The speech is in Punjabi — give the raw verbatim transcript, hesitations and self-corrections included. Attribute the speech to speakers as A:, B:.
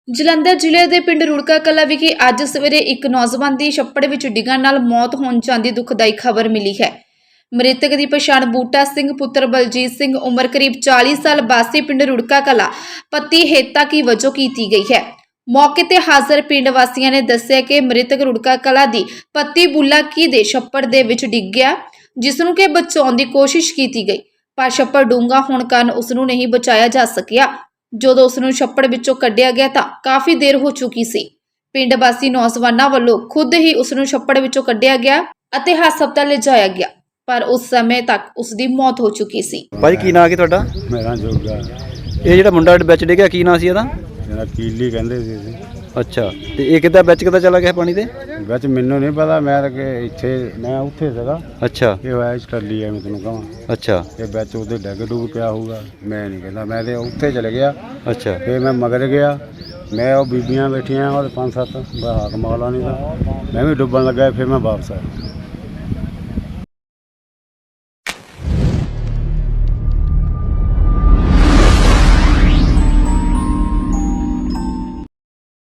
A: ਜਲੰਧਰ ਜ਼ਿਲ੍ਹੇ ਦੇ ਪਿੰਡ ਰੁੜਕਾ ਕਲਾਂ ਵਿਖੇ ਅੱਜ ਸਵੇਰੇ ਇੱਕ ਨੌਜਵਾਨ ਦੀ ਛੱਪੜ ਵਿੱਚ ਡਿੱਗਣ ਨਾਲ ਮੌਤ ਹੋਣ ਜਾਂਦੀ ਦੁਖਦਾਈ ਖਬਰ ਮਿਲੀ ਹੈ। ਮ੍ਰਿਤਕ ਦੀ ਪਛਾਣ ਬੂਟਾ ਸਿੰਘ ਪੁੱਤਰ ਬਲਜੀਤ ਸਿੰਘ ਉਮਰ ਕਰੀਬ ਚਾਲੀ ਸਾਲ ਵਾਸੀ ਪਿੰਡ ਰੁੜਕਾ ਕਲਾਂ ਪਤੀ ਹੇਤਾ ਕੀ ਵਜੋਂ ਕੀਤੀ ਗਈ ਹੈ। ਮੌਕੇ ਤੇ ਹਾਜ਼ਰ ਪਿੰਡ ਵਾਸੀਆਂ ਨੇ ਦੱਸਿਆ ਕਿ ਮ੍ਰਿਤਕ ਰੁੜਕਾ ਕਲਾਂ ਦੀ ਪਤੀ ਬੁੱਲਾ ਕੀ ਦੇ ਛੱਪੜ ਦੇ ਵਿੱਚ ਡਿੱਗ ਗਿਆ, ਜਿਸ ਨੂੰ ਕਿ ਬਚਾਉਣ ਦੀ ਕੋਸ਼ਿਸ਼ ਕੀਤੀ ਗਈ, ਪਰ ਛੱਪੜ ਡੂੰਘਾ ਹੋਣ ਕਾਰਨ ਉਸ ਨੂੰ ਨਹੀਂ ਬਚਾਇਆ ਜਾ ਸਕਿਆ। ਜਦੋਂ ਉਸ ਨੂੰ ਛੱਪੜ ਵਿੱਚੋਂ ਕੱਢਿਆ ਗਿਆ ਤਾਂ ਕਾਫੀ ਦੇਰ ਹੋ ਚੁੱਕੀ ਸੀ। ਪਿੰਡ ਵਾਸੀ ਨੌਜਵਾਨਾਂ ਵੱਲੋਂ ਖੁਦ ਹੀ ਉਸ ਨੂੰ ਛੱਪੜ ਵਿੱਚੋਂ ਕੱਢਿਆ ਗਿਆ ਅਤੇ ਹਸਪਤਾਲ ਲਿਜਾਇਆ ਗਿਆ, ਪਰ ਉਸ ਸਮੇਂ ਤੱਕ ਉਸ ਦੀ ਮੌਤ ਹੋ ਚੁੱਕੀ ਸੀ।
B: ਭਾਈ ਕੀ ਨਾਂ ਕੀ ਤੁਹਾਡਾ?
C: ਮੇਰਾ ਜੋਗਾ
B: ਇਹ ਜਿਹੜਾ ਮੁੰਡਾ ਵਿੱਚ ਡਿੱਗਿਆ ਕੀ ਨਾਂ ਸੀ ਇਹਦਾ?
C: ਮੇਰਾ ਕੀਲੀ ਕਹਿੰਦੇ ਸੀ ਅਸੀਂ।
B: ਅੱਛਾ, ਤੇ ਇਹ ਕਿੱਦਾਂ ਵਿੱਚ ਕਿੱਦਾਂ ਚਲਾ ਗਿਆ ਪਾਣੀ ਦੇ
C: ਵਿੱਚ? ਮੈਨੂੰ ਨਹੀਂ ਪਤਾ, ਮੈਂ ਤਾਂ ਕਿ ਇੱਥੇ ਮੈਂ ਉੱਥੇ ਸੀਗਾ।
B: ਅੱਛਾ
C: ਇਹ ਹੋਇਆ ਸਟੱਲੀ ਐ, ਮੈਂ ਤੈਨੂੰ ਕਹਾਂ
B: ਅੱਛਾ
C: ਇਹ ਵਿੱਚ ਉਹਦੇ ਡਿੱਗ ਡੁੱਗ ਪਿਆ ਹੋਊਗਾ, ਮੈਂ ਨਹੀਂ ਕਹਿੰਦਾ। ਮੈਂ ਤੇ ਉੱਥੇ ਚਲੇ ਗਿਆ,
B: ਅੱਛਾ
C: ਫਿਰ ਮੈਂ ਮਗਰ ਗਿਆ। ਮੈਂ ਉਹ ਬੀਬੀਆਂ ਬੈਠੀਆਂ ਉਹ ਪੰਜ ਸੱਤ ਹਾਕ ਮੌਲਾ ਨਹੀਂ ਤਾਂ ਮੈਂ ਵੀ ਡੁੱਬਣ ਲੱਗਾ, ਫਿਰ ਮੈਂ ਵਾਪਸ ਆਇਆ।